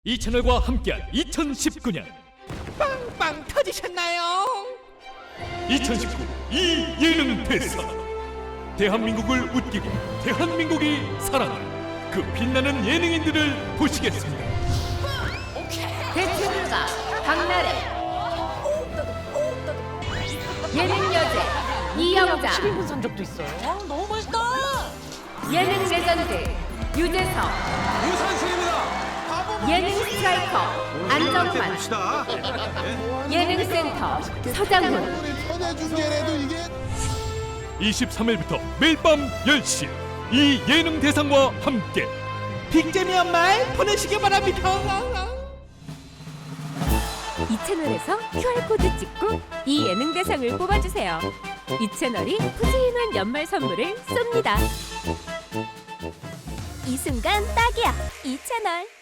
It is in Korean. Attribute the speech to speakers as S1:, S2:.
S1: 이 채널과 함께한 2019년
S2: 빵빵 터지셨나요?
S1: 2019 이 예능 대상 대한민국을 웃기고 대한민국이 사랑하는 그 빛나는 예능인들을 보시겠습니다.
S3: 대체불가 박나래 예능 여제 이영자
S2: 12분 산 적도 있어요. 너무 멋있다.
S3: 예능 레전드 유재석
S4: 유산슬입니다.
S3: 예능 스트라이커 안정환 예능센터 서장훈
S1: 23일부터 매일 밤 10시 이 예능 대상과 함께
S2: 빅재미한 말 보내시기 바랍니다.
S3: 이 채널에서 QR코드 찍고 이 예능 대상을 뽑아주세요. 이 채널이 푸짐한 연말 선물을 쏩니다. 이 순간 딱이야. 이 채널.